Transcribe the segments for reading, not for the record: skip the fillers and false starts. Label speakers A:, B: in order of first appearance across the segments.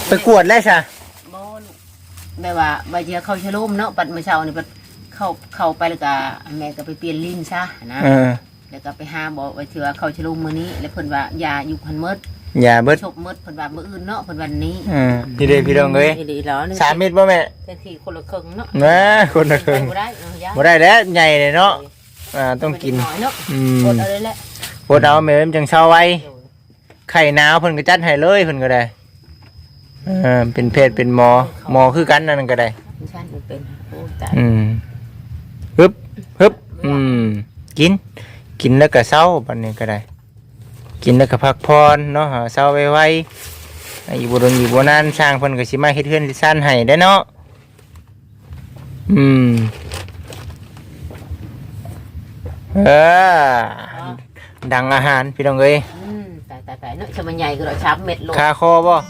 A: ไปกวดแล้วใช่
B: บ่แบบว่าใบเชียเข้าชะลุ่มเนาะปัดมื้อเช้านี่ปัดเข้าไปแล้วก็แม่ก็ไปเปลี่ยนลิ้นซะนะแล้วก็ไปหาบอกว่าเชื่อเข้าชะลุ่มมื้อนี้แล้วเพิ่นว่ายาอยู่พันหมด
A: ยาเบิด
B: ชบหมดเพิ่นว่ามื้ออื่นเนาะเพิ่นวันนี้
A: พี่เด้พี่น้องเอ้ย3 เม็ดบ่แม่
B: แต่ที่คนละครึ่งเนาะ
A: คนละครึ่งบ่ได้แล้วใหญ่เลยเนาะต้องกิน
B: อดเอาเลยแหละ
A: อดเอาแม่มันจังเช้าไว้ไข่หนาวเพิ่นก็จัดให้เลยเพิ่นก็ได้เป็นเพศเป็นหมอคือกันนั่นก็ได้
B: ฉันเป็นโอ้ตาย
A: ฮึบกินแล้วก็เช้าบัดนี้ก็ได้กินแล้วก็พักผ่อนเนาะเช้าไวๆอีบ่โดนอีบ่นานสร้างเพิ่นก็สิมาเฮ็ดเฮือนสิซ่านให้ได้เนาะดังอาหารพี่น้องเอ้ย
B: ตายเนาะชะมันใหญ่ก็เรา3 เม็ดโล
A: คาคอบ่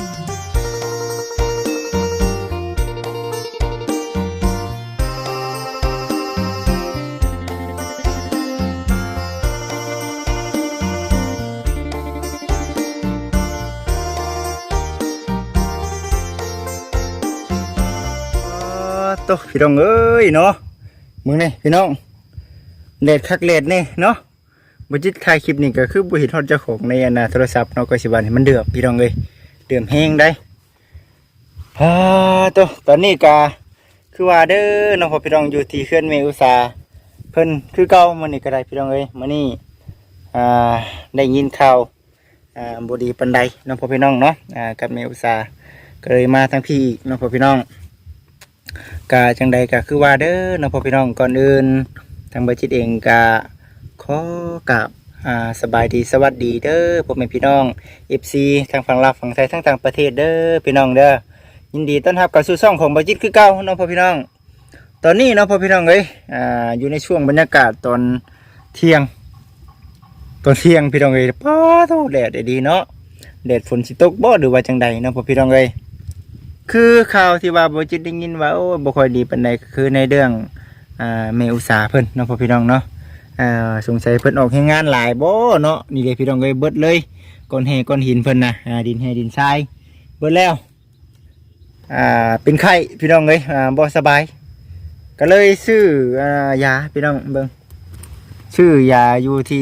A: โตพี่น้องเอ้ยเนาะมึงนี่พี่น้องเลดคักเลดนี่เนาะบจิตถ่ายคลิปนี่ก็คือบุหิตฮอดเจ้าของในโทรศัพท์เนาะก็สิวันมันเดือดพี่น้องเอ้ยเดือดแห้งได้โตตอนนี้ก็คือว่าเด้อน้องพ่อพี่น้องอยู่ที่เขื่อนเมอุตสาเพิ่นคือเก่ามื้อนี้ก็ได้พี่น้องเอ้ยมื้อนี้ได้ยินข่าวบ่ดีปานใดน้องพ่อพี่น้องเนาะกับเมอุตสาก็เลยมาทั้งพี่อีกน้องพ่อพี่น้องกะจังใดกะคือว่าเด้อน้องพ่อพี่น้องก่อนอื่นทางบริษัทเองกะขอกับสบายดีสวัสดีเด้อพ่อแม่พี่น้อง FC ทางฝั่งลาวฝั่งไทยทั้งต่างประเทศเด้อพี่น้องเด้อยินดีต้อนรับกับสู่ช่องของบริษัทคือเก่าน้องพ่อพี่น้องตอนนี้น้องพ่อพี่น้องเอ้ยอยู่ในช่วงบรรยากาศตอนเที่ยงพี่น้องเอ้ยป้าโธ่แดดดีเนาะแดดฝนสิตกบ่หรือว่าจังใดน้องพ่อพี่น้องเอ้ยคือข่าวที่ว่าบริษัทได้ยินว่าโอ้บ่ค่อยดีปานใดคือในเรื่องเมอุตสาเพิ่นน้องพ่อพี่น้องเนาะสงสัยเพิ่นออกให้งานหลายบ่เนาะนี่เลยพี่น้องเอ้ยเบิดเลยก้อนแห่ก้อนหินเพิ่นนะดินแห่ดินทรายเบิดแล้วเป็นไข้พี่น้องเอ้ยบ่สบายก็เลยซื้อยาพี่น้องเบิ่งชื่อยาอยู่ที่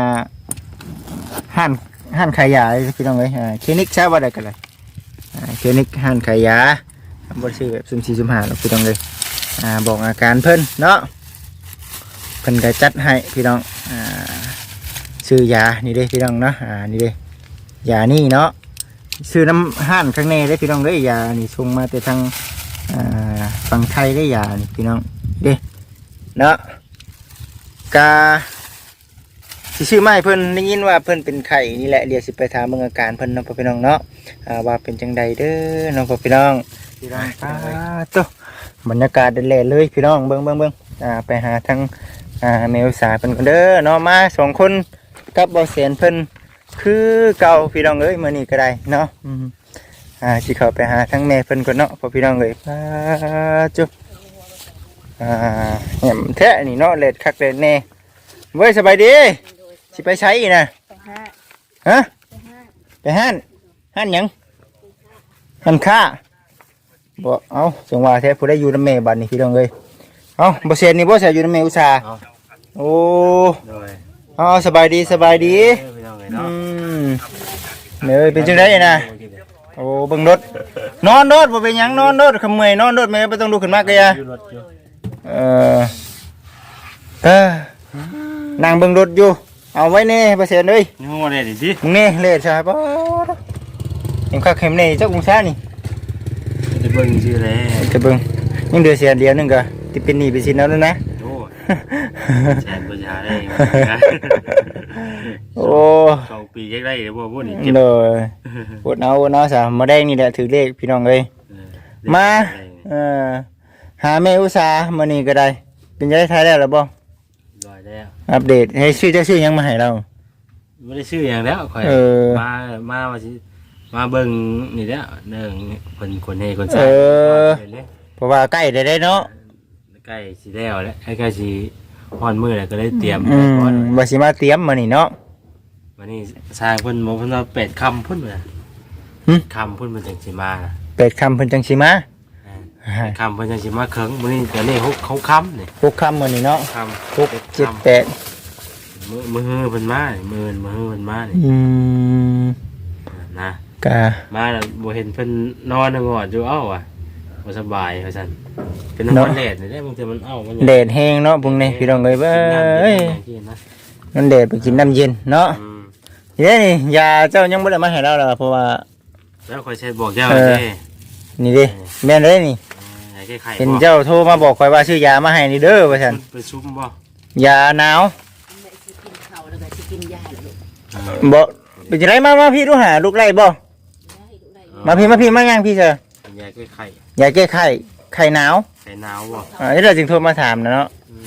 A: ห้านขายยาพี่น้องเอ้ยคลินิกใช้ว่าได้กันเลยคลินิกห้านขายยาบ่ซื้อแบบซุ่ม4ซุ่ม5หรอกพี่น้องเอ้ยบอกอาการเพิ่นเนาะเพิ่นก็จัดให้พี่น้องซื้อยานี่เด้พี่น้องเนาะนี่เด้ยานี่เนาะซื้อน้ำห้านข้างในได้พี่น้องเด้ยานี่ส่งมาแต่ทางฝั่งไทยได้ยานี่พี่น้องเด้เนาะกาสิชื่อไม่เพิ่นได้ยินว่าเพิ่นเป็นไข้นี่แหละเดี๋ยวสิไปถามเบิ่งอาการเพิ่นน้องพี่น้องเนาะว่าเป็นจังใดเด้อน้องพี่น้องโตบรรยากาศเด่นเลยพี่น้องเบิ่งไปหาทางเมลสาเพิ่นกันเด้อเนาะมา2 คนกับบ่แสนเพิ่นคือเก่าพี่น้องเอ้ยมื้อนี้ก็ได้เนาะสิเข้าไปหาทางแม่เพิ่นก่อนเนาะพอพี่น้องเอ้ยจุ๊บแหมแท้นี่เนาะเล็ดคักเล็ดแน่เว้ยสบายดีสิไปใช้อีน่ะฮะไปห้านหยังห้านค้าบ่เอาจังว่าแท้ผู้ใดอยู่นำแม่บัดนี้พี่น้องเอ้ยเอาบ่เสียนี่บ่เสียอยู่นำแม่อุตสาโอ้สบายดีเนี่ยเป็นจังได๋น่ะโอ้เบิ่งรถนอนรถบ่เป็นหยังนอนรถขมื้อยนอนรถแม่บ่ต้องลุกขึ้นมากะยะนั่งเบิ่งรถอยู่เอาไว้แน่บ่เสียเอ้ย
C: นี่บ่ได้ดิ
A: มึงนี่เลดใช่บ่ยังคักเข็มนี่จักองศานี่
C: จะเบิ่งซื่อแล
A: จะเบิ่งยังเดือเสียเดียวนึงก็สิเป็นหนี้เป็นสินแล้วนะ
C: โอ้แสนบ่หาได้
A: โอ้
C: 2 ปีจักได้บ่พุ่นนี่
A: เด้อปวดเอาซะมาแดงนี่แหละถือเลขพี่น้องเอ้ยมาหาแม่อุตสามื้อนี้ก็ได้เป็นจังได๋ทายแล้วล่ะบ่
C: ร้อยแล้ว
A: อัปเดตให้ชื่อหยังมาให้เรา
C: บ่ได้ชื่อหยังแล้วข่อยมาว่าสิมาเบิ่งนี่แหละเรื่องเพิ่นคนให้คนสร้าง
A: เพราะว่าใกล้ได้เนาะ
C: ใกล้สิแล้วแหละใกล้สิฮ้อนมื้อแล้วก็เลยเตรียม
A: ว่าสิมาเตรียมมื้อนี้เนาะ
C: วันนี้สร้างเพิ่นบอกเพิ่นว่า8 ค่ำพุ่นน่ะคำพุ่นมันจังสิมานะ
A: 8 ค่ำเพิ่นจังสิมา
C: คำเพิ่นจังสิมาเคิงมื้อนี้เดี๋ยวนี้เขาคำนี่
A: 6 ค่ำมื้อนี้เนาะ
C: คำ
A: 6 7 8
C: มือเพิ่นมานี่มือเพิ่นมานี่ นะ
A: กะ
C: มาแล้วบ่เห็นเพิ่นนอนงอดอยู่เอ้าว่ะบ่สบายว่าซั่นเป็นน้ำมันแดดนี่แหละบางทีมันเอ้ามัน
A: แดดแห้งเนาะพวกนี้พี่น้องเอ้ยเบ้ยมันแดดไปกินน้ำเย็นเนาะนี่ยาเจ้ายังบ่ได้มาให้เราหรอกเพราะว่า
C: แล้วค่อยใช้บอกเจ้าเด้
A: นี่ดิแม่นเลยนี่
C: ให้แก้ไข
A: เห็นเจ้าโทรมาบอกข่อยว่าซื้อยามาให้นี่เด้อว่าซั่น
C: ไปซุ่มบ่
A: ยาหนาว
B: แม่สิกินข้าวแล้วก็สิกินยาแล้วลูก
A: บ่เป็นจังไดมาพี่ดูหาลูกไล่บ่
B: ได้ลูกได้
A: มาพี่มาย่างพี่เจ้าย
C: าแก้ไข
A: ยาแก้ไข้หนาว
C: ไข่หนาวบ่
A: เดี๋ยวจึงโทรมาถามนะเนาะ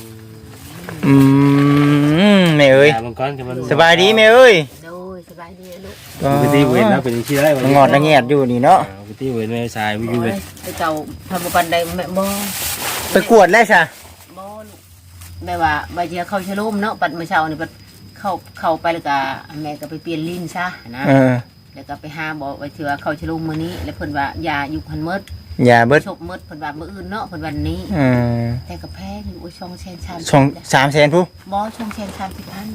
A: แม่เอ้ย
C: ยาบางก้อนที่มัน
A: สบายดีแม่เอ้ย
B: โดยสบายดีลูก
C: ปกติเว้นแล้วเป็นที่ได้
A: มันงอดละแงดอยู่นี่เนาะ
C: ปกติเว้นแม่ชายวิว
B: โอ้
C: เว้
B: ย
C: น
B: ไปเจ้าทำบ่ปันใดแม่บ่
A: ไปกวดแล้วซะ
B: บ่ลูกแม่ว่าใบเชียเข้าชะโลมเนาะปัดมื้อเช้านี่ปัดเข้าไปแล้วก็แม่ก็ไปเปลี่ยนลิ้นซะนะ แล้วก็ไปหาบอกไว้เถื่อเข้าชะโลมมื้อนี้แล้วเพิ่นว่ายาอยู่หันหมด
A: ยาเบิด
B: ชบหมดเพิ่นว่ามื้ออื่นเนาะเพิ่นวันนี้ แต่ก็แพงอยู่โอ้ย2แสน3
A: ช่อง300,000ผู้
B: บ่2แสน30พัน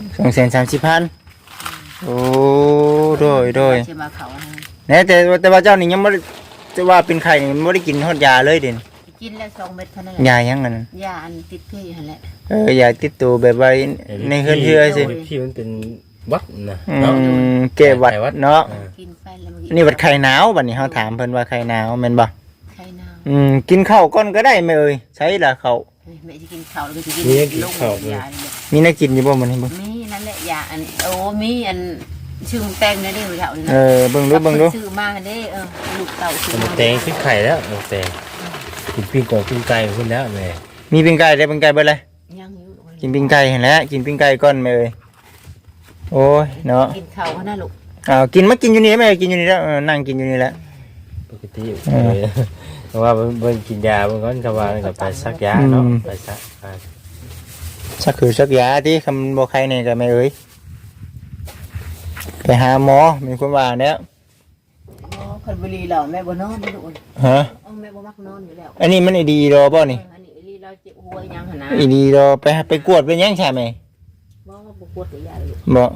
A: 230,000โอ้โดย
B: สิมาเขานะ
A: แน่แต่ว่าเจ้านี่ยังบ่ได้จะว่าเป็นไข้นี่บ่ได้กินฮอดยาเลยเด่น
B: กินแล้ว2เม็ดเท่านั้นแหละ
A: ยายังนั่น
B: ยาอันติดเกลืออยู่หั่นแหละ
A: ยาติดตัวแบบว่าในเฮือนเชื่อสิ
C: ที่มันเป็นวัดนะ
A: แก้หวัดเนาะ
B: กินไปแล้วมัน
A: นี่วัดไข้หนาวบัดนี้เฮาถามเพิ่นว่าไข้หนาวแม่นบ่
B: ไข้หนาว
A: กินข้าวก่อนก็ได้แม่เอ้ยใช้ล่ะข้าว
B: แม่สิกินข้าวแล้วก็สิกินยานี่แหละ
A: มีน่ากินอยู่บ่มื้อนี้บ่
B: มีนั่นแหละยาอันโอ้มีอันชื่อแตงได้เด้อเฒ่านี่นะ
A: เบิ่งดู
B: ซื้อมาเด้ลูกเต่าซื้อ
C: มั
B: มาน
C: แตงขึ้นไข่แล้วมันแตงกินปิ้งกบปิ้งไก่ขึ้นแล้วแม่
A: มีปิ้งไก่ได้ปิ้งไก่เบิดเลย
B: ยังอยู่
A: กินปิ้งไก่เห็นแล้วกินปิ้งไก่ก่อนแม่เอ้ยโอ้ยเนาะ
B: กินข้าวนะลูก
A: กินมากินอยู่นี่แม่กินอยู่นี่แล้วนั่งกินอยู่นี่แหละ
C: ปกติเพราะว่าเบิ่งกินยาบางก้อนก็ว่ากับไปซักยาเนาะไปซัก
A: สักคือสักยาที่คำบอกใครเนี่ยกับแม่เอ้ยไปหาหมอมีคนว่าเนี่ย
B: คนบุรีเราแม่บ่นอนนี่ลูก
A: ฮะ
B: แม่บ่มักนอนอยู่แล้ว
A: อันนี้มันไอดีรอป่ะนี่
B: อันนี้ลีเราเจ็บหัวยังหั่นนะ
A: ไอดีรอไปกวดไปยังใช่ไหม
B: บ่บ่ปวดยาเลย
A: บอก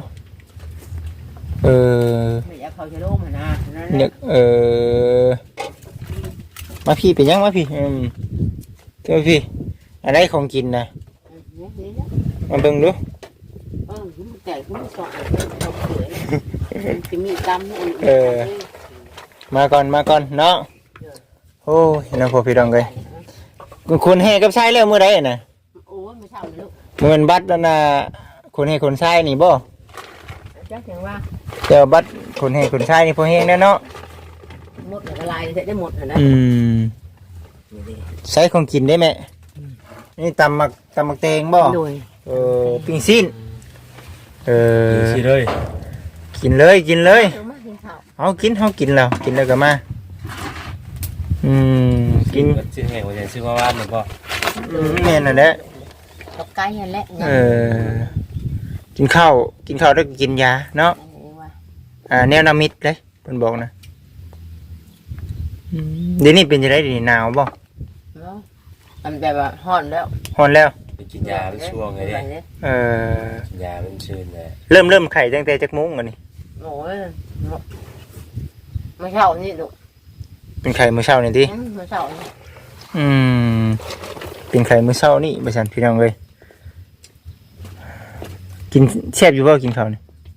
B: ไม่อยากเข้าจะโรคหั่นนะนั่น
A: เนี่ยมาพี่ไปยังมาพี่เจ้าพี่อะไรของกินนะมาเบิ่งดู
B: มันแตกมันสอดจะมีตำนี่
A: มาก่อนเนาะโอ้ยน้องพ่อพี่น้องเลยคนแห่กับชายแล้วมื้อใดน่ะ
B: โอ้ยไม่เช่าเลยลูก
A: มื้อบัตรนั่นน่ะคนแห่คนชายนี่บ่
B: จักอย่างว่า
A: เจ้าบัตรคนแห่คนชายนี่พอแห่งแน่เนาะ
B: หมดละลายจะได้หมดนะ
A: ใช้ของกินได้ไหมนี่ตำมักแตงบ่
B: โดย
A: ปิ้งซีน
C: สิเลย
A: กินเลยกินเลย
B: มากินข้าว
A: เอากินแล้วก็มากิน
C: ซื้อแห้งว่าจะซื้อมาบ้านหรือเปล่า
A: แม่นน่ะแหละ
B: กับไก่นั่นแหละ
A: กินข้าวแล้วก็กินยาเนาะแนวนามิดเลยเพิ่นบอกนะเดี๋ยวนี้เป็นจังได๋นี่หนาวบ่
B: อันแบบว่าฮ้อนแล้ว
A: ร้อนแล้ว
C: ไปกินยาเป็นช่วงไงดิกินยาเป็นชื่นเลย
A: เริ่มไข้ตั้งแต่จักโมงกันนี่
B: โอ้ยไม่เช่านี่ลูก
A: เป็นไข้มื้อเช้านี่ติ
B: ไม่เช่านี่
A: เป็นไข่มื้อเช้านี่ไปสั่นพี่น้องเลยกินแซ่บอยู่บ่กินข้าวนี่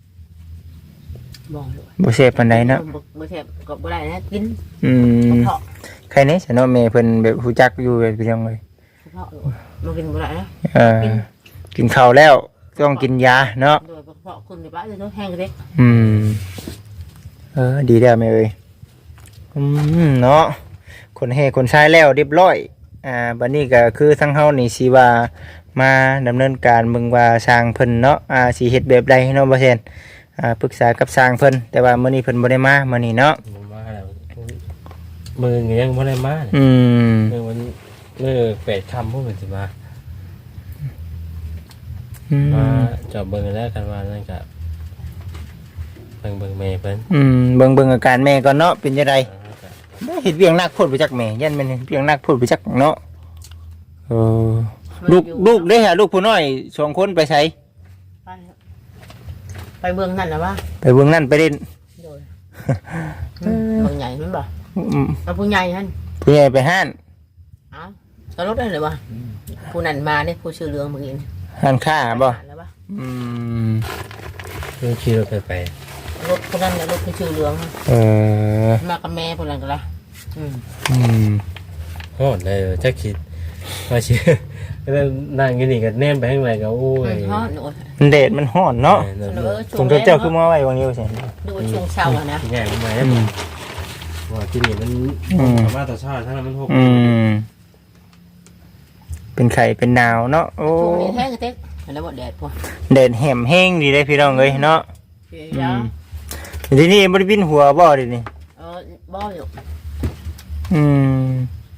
B: บอกเลย
A: บ่แซ่บปานใดเนาะ
B: บ่แซ่บก็บ่ได้นะกิน เพาะ
A: ใครนี่ฉันเนาะแม่เพิ่นแบบฮู้จักอยู่แบบพี่น้องเลย
B: เพาะมันกินบ่ได้นะ
A: กินข้าวแล้วต้องกินยาเนาะ
B: โดยเพาะคนในบ้านจะต้องแห้งเล็ก
A: ดีแล้วแม่เอ้ยเนาะคนเฮคนชายแล้วเรียบร้อยบัดนี้ก็คือทั้งเฮานี่สิว่ามาดำเนินการเบิ่งว่าสร้างเพิ่นเนาะสิเฮ็ดแบบใดเนาะบ่แซ่นปรึกษากับสร้างเพิ่นแต่ว่ามื้อนี้เพิ่นบ่ได้มามื้อนี้เนาะ
C: มาแล้วมือยังไม่ได้มามือมันมือ8 ค่ำพวกมันสิมาจอบเบิ่งแล้วกันว่านั่นก็ไปเบิ่งแม่เพิ่น
A: เบิ่งอาการแม่ก่อนเนาะเป็นจังไดได้เฮ็ดเวียงหนักโพดไปจักแม่ยันแม่นเฮ็ดเวียงหนักโพดไปจักเนาะเออลูกเด้อฮะลูกผู้น้อย2คนไปไส
B: ไปเมืองนั่นนะวะ
A: ไปเบิ่งนั่นไปเล่น
B: โดยเมืองใหญ่มันบ่
A: อืม
B: เอาผู้ใหญ่ฮั่น
A: ผู้ใหญ่ไปห้าน
B: เอ้าก็รถได้เลยวะผู้นั้นมาเนี่ยผู้ชื่อเรืองเมื่อกี้นี่
A: ห้านค้าบ่
B: แล้ววะ
A: อืม
C: คือขี่รถไป
B: รถผู้นั้นเนี่ยรถผู้ชื่อเรือง
A: เออ
B: มากับแม่ผู้นั้นก็ละอืม
A: อืม
C: โอ้ได้จักคิดว่าสิแล้วนั่งอยู่นี่ก็แนมไปข้างในก็โอ้ย
B: ฮอดโอ้ย
A: มันแดดมันร้อนเนาะ
B: ช่ว
A: ผ
B: ง
A: ม
B: แรก
A: เจ้าคือมาไว้วันนี้ว่าซั่น
B: ดูว่าช่วงเช้าอะนะ
C: ใหญ่มาแล้วว่าที่นี่มันสามารถต่อชาติถ้ามันหก
A: อืมเป็นไข่เป็นหนาวเนาะโอ้
B: ช่วงนี้แท้ก็เต๊กแล้วบ่แดดพวก
A: แดดแหมแห้งดีเลยพี่น้องเอ้ยเนาะ
B: เดี๋ยว
A: ทีนี้บ่ได้บินหัวบ่ดินี่
B: บ่อยู่
A: อืม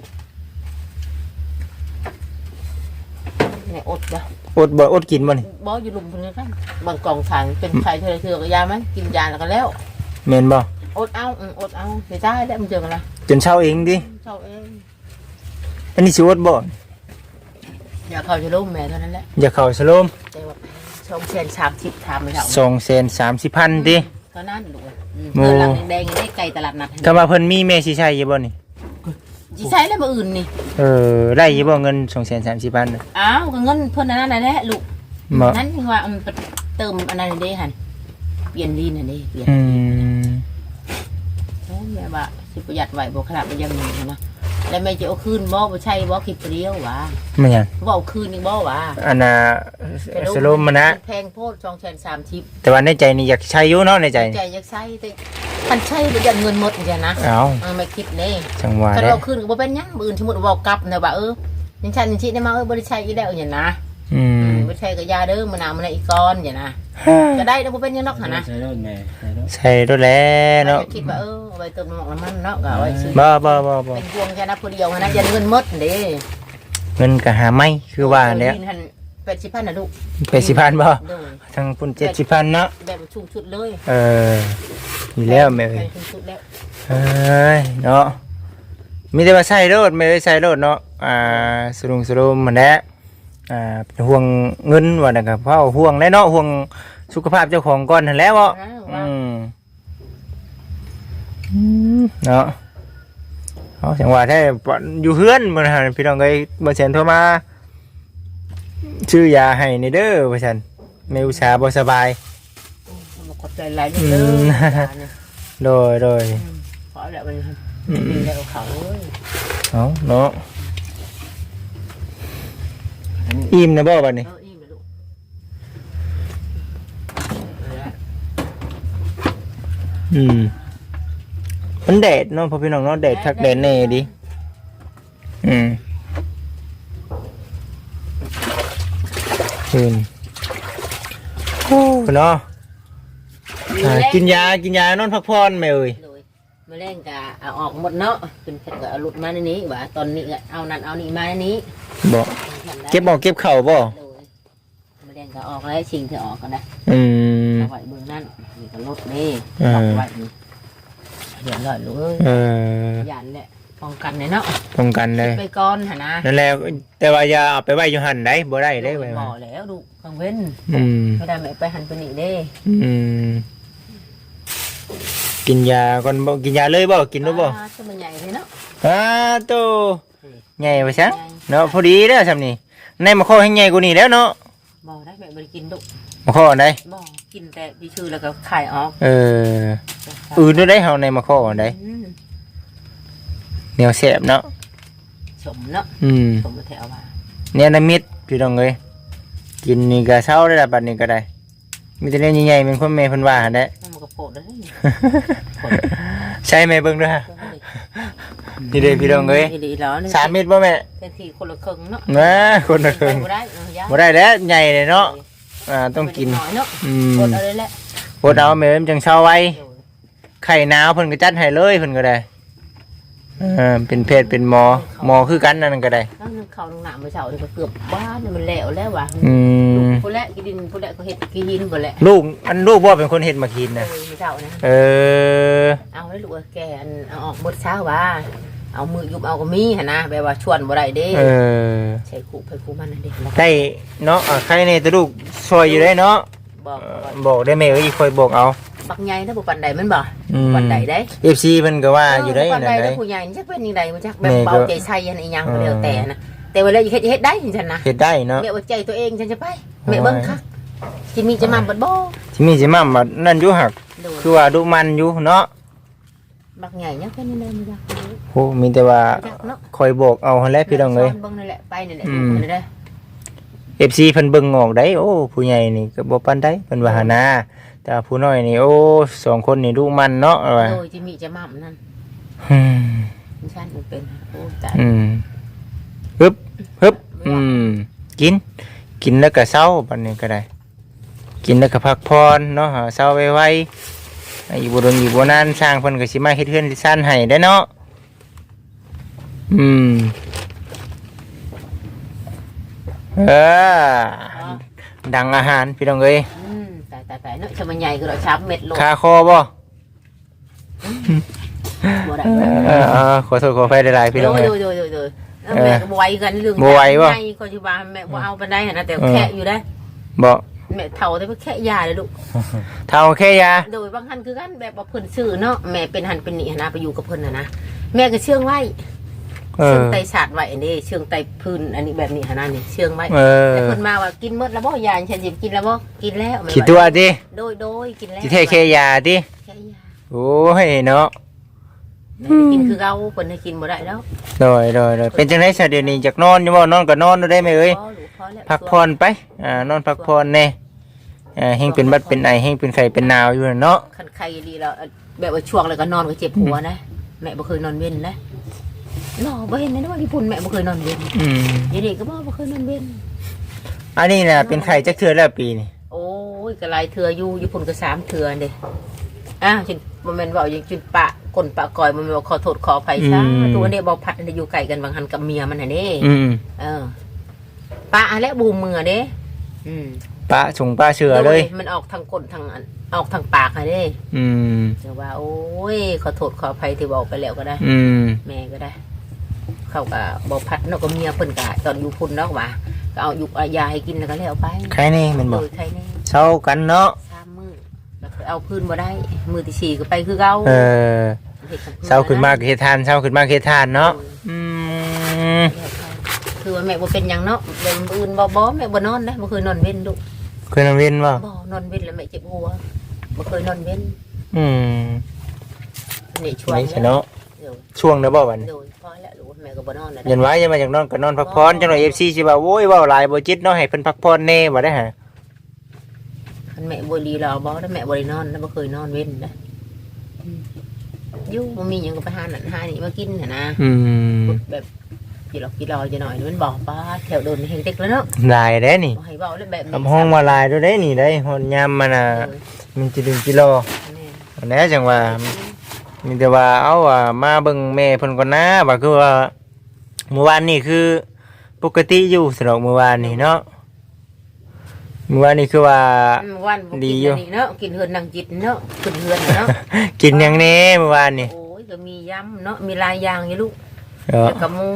B: ในอดจ้ะ
A: อดกินบ่นี่
B: บ่อยู่ลุมเพิ่นกันบางกองถังเป็นไข่เทื่อก็ยามั้ยกินยาแล้วก็แล้ว
A: แม่นบ่
B: อดเอาอดเอาเสียใจแล้วมันเจอกันละ
A: จนเช้าเองดิ
B: เช้าเอง
A: อันนี้สิอดบ่
B: อยากเข้าจะล้มแม่เท่านั้นแหละ
A: อย่าเข้าสโลม
B: แต่ว่าช่องเชน30ถามไม่เท่า
A: 230,000ติ
B: เท่านั้นดูเงินหลังแดงๆได้ไก่ตลาดนัด
A: ก็ว่าเพิ่นมีแม่สิใช้อยู่บ่นี่
B: สิใช้แล้วบ่อื่นนี่
A: ได้อยู่บ่เงิน230,000น่ะ
B: อ้าวก็เงินเพิ่นอันนั้นน่ะแหละลูก
A: บ่
B: นั้นยังว่ามันเติมอันนั้นเด้หั่นเปลี่ยนลีนน่ะเด้เปลี่ยน
A: อืม
B: โอ้แม่ว่าสิประหยัดไว้บ่ขนาดมันยังมีนะแล้วแม่จะเอาคืนบ่ใช่บ่คิดเดียววะ
A: มันหยัง
B: บ่เอาคืนอีกบ่วะ
A: อันน่ะสโลมมันนะ
B: แพงโพด230
A: แต่ว่าในใจนี่อยากใช้อยู่เนาะในใจ
B: ใจอยากใช้แต่มันใช้บ่ยันเงินหมดจังนะ
A: เอ้า
B: ไม่คิดเด้
A: จังหวะ
B: ถ้า
A: เด้
B: เราคืนก็บ่เป็นหยังมื้ออื่นสมมุติว่าเว้ากลับนะว่ายังฉันยังสิได้มาบ่ได้ใช้อีกแล้วอย่างนะ
A: อืม
B: บ่ใช้ก็ยาเด้อมื้อหน้ามื้อนี้อีกก่อนอย่างนะก็ได้แล้วบ่เป็นหยังดอกหั่นนะ
C: ใช้รถแม่ใช้รถ
A: ใช่รถแล้วเนาะ
B: คิดว่าเอาไปเติมน้ำมันเนาะก็เอาไว้ซื้อ
A: บ่
B: เป็นพวงแค่นั้นผู้เดียวหั่นนะยันเงินหมดเด้
A: เงินก็หาไม่คือว่าเนี่ย
B: หัน80,000น่ะลูก
A: 80,000บ่
B: โดย
A: ทั้งพุ่น70,000เนาะ
B: แบบชุ่มชุดเลย
A: มีแล้วแม่เอ้ย
B: ชุ่มชุดแล้ว
A: เอ้ยเนาะมีแต่ว่าใส่รถไม่ได้ใส่รถเนาะสรุปมันแหละเป็นห่วงเงินว่านั่นก็เพราะห่วงแน่เนาะห่วงสุขภาพเจ้าของก่อนนั่นแหละเนาะเนาะเอาจังหวะแท้อยู่เฮือนมื้อนั้นพี่น้องเอ้ยบ่แซ่นโทรมาชื่อยาให้นี่เด้อว่าซั่นแม่อุตสาห์บ่สบาย
B: ขอบใจหลายนิดเด้อ
A: โดย
B: ขอแล้วมันดีแล้วเขาเอ้ย
A: เอาเนาะอิ่มนะบ่บัดนี้
B: อิ่มเลยลูก
A: มันแดดเนาะพ่อพี่น้องเนาะแดดคักแดดแน่ดิโอ้เนาะกินยานอนพักผ่อนแม่เอ้ย
B: มาเล่นกะเอาออกหมดเนาะเป็นแค่ก็เอาหลุดมาในนี้ว่าตอนนี้ก็เอานั่นเอานี่มาในนี้
A: บ่เก็บเข่าบ่
B: มาเล่นก็ออกแล้วชิงเธอออกกันนะเอาไว้เบื้องนั่นนี่ก็ลดนี่ออกไว้นี่เดี๋ยวลอยลูกเอ้ยยันแหละป้องกันเนาะ
A: ป้องกันเลย
B: ไปก่อนหะนะ
A: นั่นแหละแต่ว่าอย่าเอาไปไว้อยู่หั่นได้บ่ได้เด้ไว้
B: บ่แล้วดูกังเว้น ไม่ได้ไม่ไปหันไปนี่เด้
A: กินยาก่อนบ่กินยาเลยบ่กินรู้บ่
B: ตัวมันใหญ่เลยเนาะ
A: โตใหญ่ว่าซะเนาะพอดีเด้อซำนี่ในมะข้อให้ใหญ่กว่านี้แล้วเนาะ
B: บ่ได้แบบบ่ได้กินดุ
A: มะข้ออันใด
B: บ่กินแต่ดีชื่อแล้วก็ขายออก
A: อื่นด้วยได้เฮาในมะข้ออันใดเหนียวแซ่บเนาะ
B: สมเนาะสมแถวว่า
A: เนี่ยน้ำมิตรพี่น้องเอ้ยกินนี่ก็เช้าได้ละบัดนี้ก็ได้มีแต่เรื่องใหญ่ๆเป็นคนแม่เพิ่นว่าหั่นแหละ
B: มันก็โปดได้
A: ใช่ไหมเบิ่งด้วยฮะนี่เด้พี่น้องเอ้ย
B: ดีแล้วนี่
A: 3 เม็ดบ่แม่
B: เต็มที่คนละครึ่งเนาะ
A: คนละครึ่ง
B: บ่ได้
A: บ่ได้แล้วใหญ่เลยเนาะต้องกิน
B: น้อยเนาะกดเอาเลยแหละ
A: อดเอาแม่มันจังเช้าไว้ไข่หนาวเพิ่นก็จัดให้เลยเพิ่นก็ได้เป็นแพทย์เป็นหมอคือกันนั่นก็ได้
B: แล้วนึงเขาลงหน้ามื้อเช้านี่ก็เกือบบ้านมันแล้วว่ะ
A: อืม
B: ผู้แลกินดินผู้แลก็เฮ็ดกินดินบ่แหละ
A: ลูกบ่เป็นคนเฮ็ดมากินน่ะ
B: มื้อเช้านะ
A: เออ
B: เอาให้ลูกแกเอาออกมื้อเช้าว่าเอามือยุบเอาก็มีหั่นนะแบบว่าชวนบ่ได้เด้
A: เออ
B: ใช้คู่ไปคู่มันนั่นเด้
A: ได้เนาะใครในตัวลูกซอยอยู่ได้เนาะ
B: บอก
A: บอกได้แม่เอ้ยคอยบอกเอา
B: บักใหญ่ถ้าบ่ปานใดมันบ่
A: อืม
B: ปานใดได้
A: FC เพิ่นก็ว่าอยู่ได้
B: ปาน
A: นั่น
B: ใด
A: ได้
B: ผู้ใหญ่จักเป็นจังไดมันจักแบบเบาใจใส่อันอีหยังก็แล้วแต่นะแต่ว่าแล้วเฮ็ดได้ฉันนะ
A: เฮ็ดได้เนาะ
B: แม่ว่าใจตัวเองฉันจะไปแม่เบิ่งคักสิมีจะมาบ่บ่
A: ที่มีสิมาบัดนั่นอยู่หัก
B: โดย
A: คือว่าดุมันอยู่เนาะ
B: บักใหญ่ยังเป็นยังไงมันจัก
A: โหมีแต่ว่า
B: จักเนาะ
A: คอยบอกเอาหั่นแหละพี่น้องเอ้ย
B: เบิ่งนั่นแหละไปนั่นแหละ
A: อืม
B: นั่นแหละ
A: FC เพิ่นเบิ่งออกได้โอ้ผู้ใหญ่นี่ก็บ่ปานใดเพิ่นว่าหานะแต่ผู้น้อยนี่โอ้สองคนนี่ดุมันเนาะว่า
B: โดยจิมีจะมั่มนั่น
A: อืม
B: ฉันเป็นโอ้ตาย
A: ฮึบกินแล้วก็เศร้าบัดนี้ก็ได้ กินแล้วก็พักผ่อนเนาะหาเศร้าไวๆอยู่บ่โดนอยู่บ่นานสร้างเพิ่นก็สิมาเฮ็ดเฮือนที่ซ่านให้ได้เนาะเออดังอาหารพี่น้องเอ้ย
B: ตายเนาะชะมันใหญ่ก็เราชับเม็ดโล
A: คาคอบ่
B: บ่ได้
A: ขอโทษขออภัยหลายๆพี่น้องเอ้ย
B: โดยแม่ก็บ่ไหวกันเรื่อง
A: บ่ไหวบ่
B: ใหญ่ก็สิว่าแม่บ่เอาปานใดหั่นนะแต่แค่อยู่ได้
A: บ่
B: แม่เฒ่าแต่ว่าแค่ยาเลยลูก
A: เท่าแค่ยา
B: โดยบางท่านคือกันแบบว่าเพิ่นซื้อเนาะแม่เป็นหันเป็นนี่นะไปอยู่กับเพิ่นนะแม่ก็เชื่องไว้เชื่องไตศาสตร์ไว้อันนี้เชื่องไตพื้นอันนี้แบบนี้นะนี่เชื่องไว้แต่เพิ่นมาว่ากินหมดแล้วบ่ยาฉันสิกินแล้วบ่กินแล้ว
A: คิดตัวดิ
B: โดยกินแล้ว
A: สิเทแค่ยาดิ
B: แค่ยา
A: โอ้ยเนาะ
B: กินคือเก่าเพิ่นให้กินบ่ได้แล้ว
A: โดยเป็นจังได๋ซะเดี๋ยวนี้อยากนอนอยู่บ่นอนก็นอนได้ไหมเอ้ย
B: พอลูกพอแล้ว
A: พักผ่อนไปนอนพักผ่อนแน่เฮงเป็นบัดเป็นไอเฮงเป็นไข้เป็นหนาวอยู่เนาะ
B: คันไข้ดีแล้วแบบว่าช่วงแล้วก็นอนก็เจ็บหัวนะแม่บ่เคยนอนเว้นนะเนาะบ่เห็นนะว่าญี่ปุ่นแม่บ่เคยนอนเว้นเดี๋ยวนี้ก็บ่เคยนอนเว้น
A: อันนี้น่ะเป็นไข้จักเทื่อแล้วปีนี่
B: โอ้ยก็หลายเทื่ออยู่ญี่ปุ่นก็3เทื่อเด้จนบ่แม่นว่าอย่างจุนปะก้นปะกอยบ่แม่นว่าขอโทษขออภัยซะตัวนี้บ่พัดอยู่ไกลกันบางหันกับเมียมันน่ะเด้ปะและบูมมือเด้
A: ปะส่งปลาเชื่อเลย
B: มันออกทางก้นทางออกทางปากค่ะเด้จะว่าโอ้ยขอโทษขออภัยที่บอกไปแล้วก็ได้แม่ก็ได้ เขาก็บ่พัดเนาะก็เมียเพิ่นก็ตอนอยู่พุ่นเนาะว่าก็เอายุกยาให้กินแล้วก็แล้วไป
A: ใครนี่มันบอก
B: ใครนี่
A: เช้ากันเนาะ
B: 3 มื้อแล้วก็เอาพื้นบ่ได้มื้อที่4ก็ไปคือเก่า
A: เช้าขึ้นมาเฮ็ดทานเช้าขึ้นมาเฮ็ดทานเนาะ
B: คือว่าแม่บ่เป็นหยังเนาะเรื่องอื่นบ่แม่บ่นอนนะบ่เคยนอนเว้นลูก
A: เคยนอนเว้นบ่
B: นอนเว้นแล้วแม่เจ็บหัวบ่เคยนอนเว้นนี่ช่วงนี้
A: เนาะช่วงนะบ่วัน
B: โดยพอแล้วลูกแม่ก็บ่นอนแล้ว
A: ยันไว้ยังมาจากนอนก็นอนพักผ่อนจังหน่อย FC สิว่าโว้ยเว้าหลายบ่จิตเนาะให้เพิ่นพักผ่อนแน่บ่ได้ฮะ
B: คันแม่บ่ดีแล้วบ่แล้วแม่บ่ได้นอนแล้วบ่เคยนอนเว้นนะอยู่บ่มีหยังก็ไปหานั่นหานี่มากินน่ะนะแบบกินรอจะหน่อยมันบอกป้าแถวโดนเฮงเต็กแล้วเนาะ
A: ลายเด้นี่
B: ให้เว้าแล้วแบบ
A: กับห้องมาลายด้วยเด้นี่ได้ฮอนยามมันน่ะมันสิดึงกิโลอันนี้จังว่ามีแต่ว่าเอามาเบิ่งแม่เพิ่นก่อนนะว่าคือว่าเมื่อวานนี่คือปกติอยู่สำหรับเมื่อวานนี่เนาะเมื่อวานนี่คือว่า
B: ดีอยู่เนาะกินเฮือนนางจิตเนาะขึ้นเฮือนเนาะ
A: กินหยังแน่เมื่อวานนี่
B: โอ้ยก็มียำเนาะมีลายยางอยู่ลูกแล้วก็หมู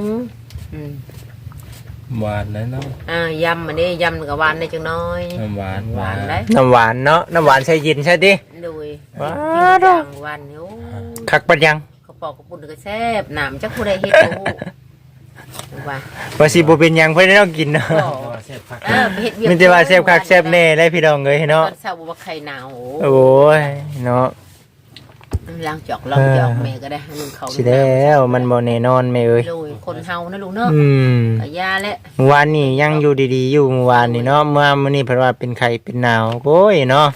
C: หวานนะเนาะ
B: ยำอันนี้ยำกับหวานได้จังน้อย
C: หวาน
B: ได้
A: น้ำหวานเนาะน้ำหวานใส่เย็นใช่ดิ
B: โดย
A: ว้า
B: ดหวานโอ้
A: คักปัดยัง
B: เขาปอกกระปุกก็แซ่บหนามจักผู้ใดเฮ็ดรู้
A: ว่าสิบ่เป็นหยังเพิ่นได้ต้องกินเนาะมันจะว่าแซ่บคักแซ่บแน่ได้พี่น้องเอ้ยเนาะ
B: ตอนเช้าบ่ว่าไข่หนาว
A: โอ้ยเนาะ
B: ล้างจอกแม่ก็ได้ให้มึงเขา
A: สิแล้วมันบ่แน่นอนแม่เอ้ย
B: คนเฮานะลูกเนาะก็ยาแหละ
A: เมื่อวานนี่ยังอยู่ดีๆอยู่เมื่อวานนี่เนาะเมื่อมื้อนี้เพิ่นว่าเป็นไข้เป็นหนาวโอ้ยเนาะ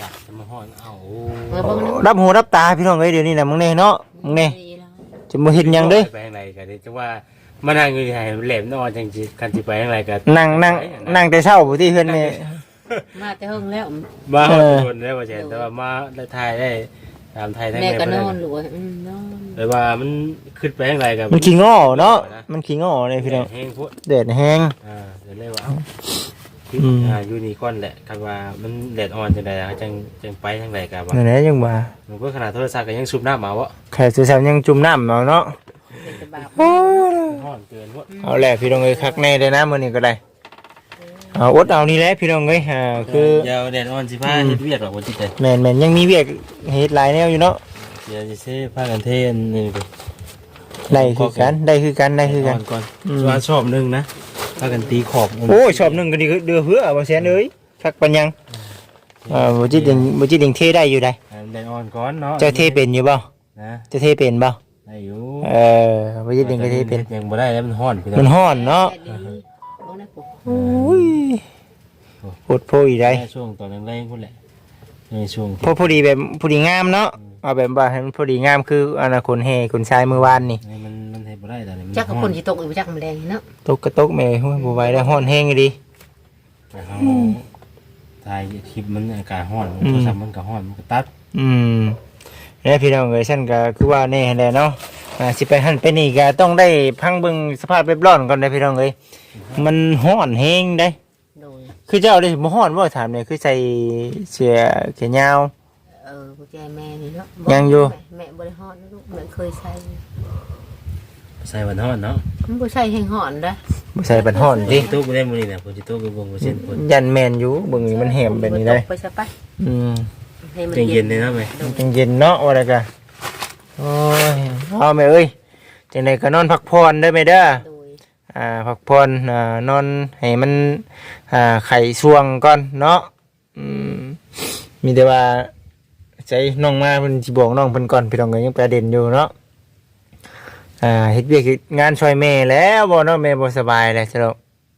A: รับหูรับตาพี่น้องเอ้ยเดี๋ยวนี้น่ะมึงแน่เนาะมึงแน่จะบ่เฮ็ดหยังเด้
C: ไปทางไหนก็ได้จังว่ามานั่งอยู่ให้แหลมนอนจังสิคันสิไปทางไหนก็
A: นั่งแต่เช้าบ่ที่เฮือนแม่
B: มาแต่เฮิงแล้ว
C: มาโดนได้บ่แซ่แต่ว่ามาได้ถ่ายได้ตามไทยทั้ง
B: แม่ก็นอนลูกนอน
C: แต่ว่ามันขึ้นไปยังไงกับ
A: มันขี้ง้อเนาะมันขี้ง้อเลยพี่น้อง
C: แห้งพุ่น
A: แดดแห้ง
C: เดี๋ยวเลยว่าอยู่นี่ก่อนแหละคันว่ามันแดดอ่อนจังได๋จังไปทางใดก็ว่า
A: นั่นแหละยังว่า
C: มันก็ขนาดโทรศัพท์ก็ยังสูบน้ำมาวะ
A: แค่สุสานยังจุ่มน้ำเอาเนาะ
B: เป็นตะบาป
C: ร้อนเกินพุ่น
A: เอาแหละพี่น้องเอ้ยคักแน่เลยนะมื้อนี้ก็ได้เอาอดเอานี่แหละพี่น้องเอ้ยคือ
C: เดี๋ยวแดดอ่อนสิพาเฮ็ดเวียกหรอกบ่จิตใจ
A: แม่นยังมีเวียกเฮ็ดหลายแนวอยู่เนาะ
C: เดี๋ยวสิเซพากันเทนนี่ไป
A: ได้คือกัน
C: ก่อนส่วนชอบนึงนะพากันตีขอบ
A: โอ้ยชอบหนึงก็ดีเดือเหือบ่แซนเอ้ยคักปัญญังบ่จิตยังเทได้อยู่ได้
C: แดดอ่อนก่อนเนาะ
A: เจ้าเทเป็นอยู่บ่
C: นะ
A: จะเทเป็นบ่
C: ได้อยู่
A: บ่จิตยังก็เทเป็น
C: ยังบ่ได้แล้วมันร้อนพี่น้
A: มั
C: อน ง
A: ร้อนเนาะ
B: แดดดีบ่นะปุ๊
A: โอ้ยปวดโพอีได้
C: ช่วงตอนแรงๆพุ่นแหละในช่วง
A: พอดีแบบพอดีงามเนาะเอาแบบว่าให้มันพอดีงามคืออนาคตแห่คนชายมือวานนี่
C: มันเฮ็ดบ่ได้ตอนนี้มัน
B: จักกับคนสิตกอยู่จักมันแรงเนาะ
A: ตกกระตกแม่โอ้ยบ่ไหวแล้วฮ้อนแห้งอยู่ดิ
C: เฮาถ่ายคลิปมันอากาศร้อนโทรศัพท์มันก็ร้อนมันก็ตัด
A: แล้วพี่น้องเอ้ยฉันก็คือว่าแน่แหละเนาะสิไปหั่นไปนี่ก็ต้องได้พังเบิ่งสภาพแบบร้อนก่อนได้พี่น้องเอ้ยมันฮ้อนแห้งได้
B: โดย
A: คือเจ้าได้บ่ฮ้อนบ่ถามเนี่ยคือใส่เสื้อแขนยาว
B: กุญแจแม่นี่เนาะ
A: ยังอยู่
B: แม่บ่ได้ฮอดนะลูกแม่เคยใส่
C: ใส่วันฮ้อนเนาะ
B: มันบ่ใส่แห้งฮ้อนเด้อ
A: บ่ใส่บัดฮ้อนดิ
C: ตู้บ่ได้มื้อนี้น่ะผมสิตู้ไปเบิ่งบ่เซ็นพุ่น
A: ยันแม่นอยู่เบิ่งนี่มันแหมแบบนี้ได้
B: ไปซะไป
A: อืม
B: ให้มัน
C: เย็นๆเลยเนาะแม่
A: จังเย็นเนาะว่าแล้วก็โอ้ยเอาแม่เอ้ยจังไดก็นอนพักผ่อนเด้อแม่เด้อ
B: โดย
A: พักผ่อนนอนให้มันไข่ช่วงก่อนเนาะมีแต่ว่าใจน้องมาเพิ่นสิบอกน้องเพิ่นก่อนพี่น้องก็ยังประเด็นอยู่เนาะเฮ็ดเวียกเฮ็ดงานช่วยแม่แล้วบ่เนาะแม่บ่สบายแล้วจ้ะเนาะ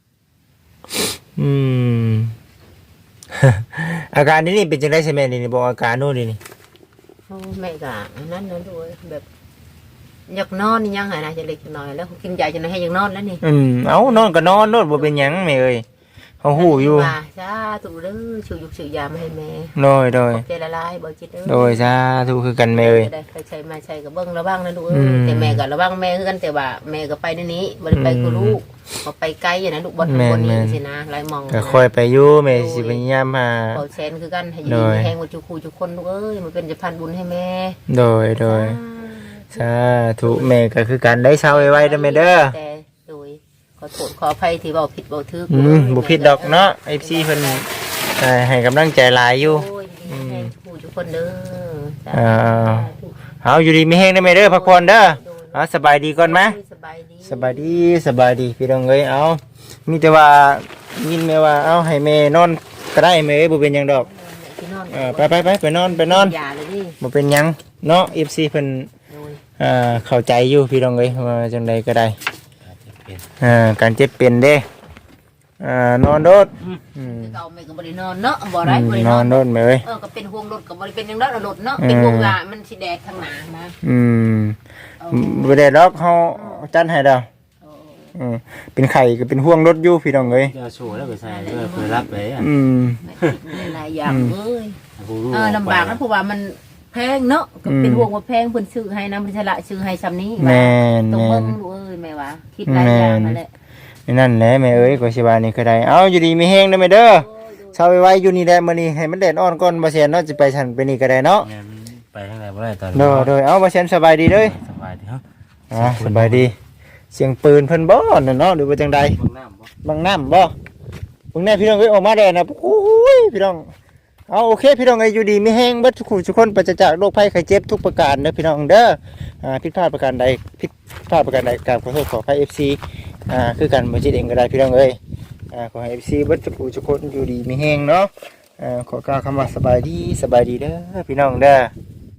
A: อาการนี้เป็นจังได๋ใช่แม่นี่บอกอาการโน่นนี่
B: โอ้แม่ก็นั่นนะด้วยแบบอยากนอนนี่ยังไงนะจะเล็กจะน้อยแล้วกินยาจะให้ยังนอนแล้วนี่
A: เอานอนก็นอนโน่นบ่เป็นหยังแม่เอ้ยเฮาฮู้อยู่
B: ว่าจ้าถูกเด้อชื่อยุกชื่อยามาให้แม่
A: โดย
B: ใจละลายบ่จิตเด้อ
A: โดยสาธุคือกันแม่เอ้ย
B: ได้ใช้มาใช้ก็เบิ่งระวังนะลูกแต่แม่ก็ระวังแม่คือกันแต่ว่าแม่ก็ไปในนี้บ่ได้ไปกับลูกบ่ไปไกลอย่างนั้นลูกบ่ทันคนนี้สินะหลายมอง
A: ก็ค่อยไปอยู่แม่สิพยายามหา
B: เป่าแชนคือกันให้อยู่แห้งว่าจุคูจุคนลูกเอ้ยมันเป็นจะพันบุญให้แม่
A: โดยสาธุแม่ก็คือกันได้เช้าไว้ๆเด้อแม่เด้อ
B: แต่โดยขอโทษขออภัยที่เว้าผิดเว้าถูก
A: บ่ผิดดอกเนาะ FC เพิ่นให้กำลังใจหลายอยู่
B: โอ้ยแห้งจุคูจุคนเด้อ
A: เอาอยู่ดีมีแฮงได้อแม่เด้อพักผ่อนเด้อเอาสบายดีก่อนมั้ย
B: สบายดี
A: สบายดีพี่น้องเอ้ยเอามีแต่ว่ายินแม่ว่าเอาให้แม่นอนก็ได้แม่เอ้ยบ่เป็นหยังดอกไปนอน
B: ยาเลยดิ
A: บ่เป็นหยังเนาะ FC เพิ่น
B: โดย
A: เข้าใจอยู่พี่น้องเอ้ยว่าจังใดก็ได้
C: เป็น
A: การเจ็บเป็นเด้นอนโดด
B: เก่าแม่ก็บ่ได้นอนเนาะบ่ได้บ่ได้
A: น
B: น
A: อ
B: อน น
A: โดดแม่เอ้ย
B: ก็เป็นห่วงรถก็บ่ได้เป็นจังได๋รถเนาะเป็นห่วงว่ามันสิแดดข้างหน้านะ
A: บ่ได้ดอกเฮาจัดให้ดอกเป็นไข่ก็เป็นห่วงรถอยู่พี่น้องเอ้ย
C: จะโชว์แล้วไปใส่เพื่อรับไปอ่ะ
B: หลายอย่างเอ้ย
C: ผู้รู้
B: ลำบากนะเพราะว่ามันแพงเนาะก็เป็นห่วงว่าแพงเพิ่นซื้อให้นะมันฉละซื้อให้ซ้ำนี้
A: แม่น
B: ต้องเบิ่งลูกเอ้ยแม่ว่าคิดหลายอย่างนั่นแหละ
A: นั่นแหละแม่เอ้ยก็สิว่านี่ก็ได้เอาอยู่ดีมีแฮงเด้อแม่เด้อเช้าไว้อยู่นี่แหละมื้อนี้ให้มันแดดอ่อนก่อนบ่เสียนเนาะสิไปฉันไปนี่ก็ได้เนาะ
C: ไปทางไหนบ่ได้ตอน
A: โดยเอาบ่เสียนสบายดีเด้อ
C: สบายดีเนาะ
A: สบายดีเสียงปืนเพิ่นบ่นั่นเนาะหรือว่าจังใด
C: เบิ่งน้ำบ่
A: บางน้ำบ่เบิ่งแน่พี่น้องเอ้ยออกมาแดดนะโอ้ยพี่น้องเอาโอเคพี่น้องเอ้ยอยู่ดีมีแฮงเบิดทุกคนปราศจากโรคภัยไข้เจ็บทุกประการเด้อพี่น้องเด้อผิดพลาดประการใดกราบขอโทษขออภัย FC คือกันบ่จิตเองก็ได้พี่น้องเอ้ยขอให้ FC เบิดทุกคนอยู่ดีมีแฮงเนาะขอกล่าวคำว่าสบายดีเด้อพี่น้องเด้อ